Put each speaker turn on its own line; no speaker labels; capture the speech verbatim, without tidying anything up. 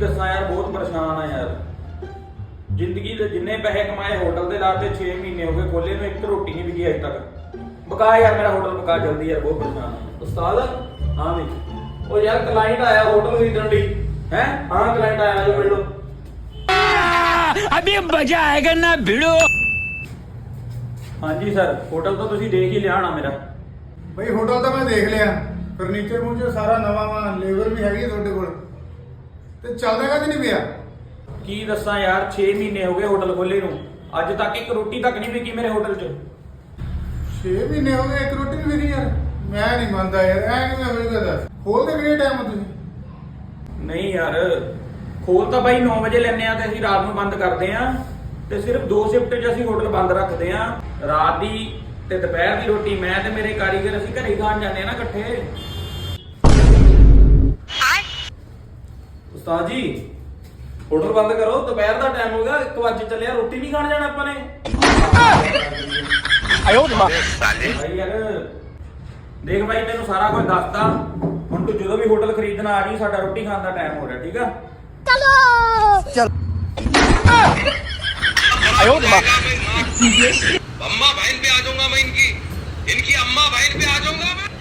दसा यार, बहुत परेशान है यार। जिंदगी दे जिन्ने पैसे कमाए होटल दे लाते छे महीने हो गए खोले नु, एक तो रोटी नहीं बिकी अज तक। बका यार मेरा होटल बका जल्दी यार, बहुत परेशान है।
उस्ताद
हाँ भी
ओ यार क्लाइंट आया होटल खरीदने दी
हैं?
हाँ क्लाइंट आया जो मिल लो।
अभी मजा आएगा ना भिड़ो।
हाँ जी सर, होटल तो तुसी देख ही लिया ना मेरा।
ਬਈ ਹੋਟਲ ਤਾਂ ਮੈਂ ਦੇਖ ਲਿਆ, ਫਰਨੀਚਰ ਫਰਨੀਚਰ ਸਾਰਾ ਨਵਾਂ ਵਾ, ਲੇਬਰ ਵੀ ਹੈਗੀ ਹੈ ਤੁਹਾਡੇ ਕੋਲ, ਤੇ ਚੱਲਦਾ ਕਦ ਨਹੀਂ ਪਿਆ।
की दसा यार, छे महीने हो गए होटल खोले नु, अज तक एक रोटी तक नहीं बिकी मेरे होटल च।
ਛੇ ਮਹੀਨੇ ਹੋ ਗਏ ਇੱਕ ਰੋਟੀ ਨਹੀਂ ਵਿਕੀ ਯਾਰ, ਮੈਂ ਨਹੀਂ ਮੰਨਦਾ ਯਾਰ, ਐ ਕਿਵੇਂ ਹੋਏਗਾ ਦੱਸ। ਖੋਲਦੇ ਕਿਹੜੇ ਟਾਈਮ ਤੁਸੀਂ?
नहीं यार, खोल ਤਾਂ ਬਾਈ नौ ਵਜੇ ਲੈਨੇ ਆ ਤੇ ਅਸੀਂ ਰਾਤ ਨੂੰ ਬੰਦ ਕਰਦੇ ਆ, ਤੇ ਸਿਰਫ ਦੋ ਸ਼ਿਫਟ 'ਚ ਅਸੀਂ ਹੋਟਲ ਬੰਦ ਰੱਖਦੇ ਆ। ਰਾਤ ਦੀ ਤੇ ਦੁਪਹਿਰ ਦੀ ਰੋਟੀ ਮੈਂ ਤੇ ਮੇਰੇ ਕਾਰੀਗਰ ਅਸੀਂ ਘਰੇ ਖਾਣ ਜਾਂਦੇ ਆ ਨਾ ਇਕੱਠੇ।
उस्ताद जी होटल बंद करो, दोपहर का टाइम होगा, एक बजे चले रोटी नहीं खाने जाना अपने।
भाई यार देख भाई, ਤੈਨੂੰ ਸਾਰਾ ਕੁਝ ਦੱਸਦਾ ਹੁਣ, ਤੂੰ ਜਦੋਂ ਵੀ ਹੋਟਲ ਖਰੀਦਣਾ ਆ ਜੀ, ਸਾਡਾ ਰੋਟੀ ਖਾਣ ਦਾ ਟਾਈਮ ਹੋ ਰਿਹਾ, ਠੀਕ ਆ?
अम्मा बहन पे आ जाऊंगा मैं, इनकी इनकी अम्मा बहन पे आ जाऊंगा मैं।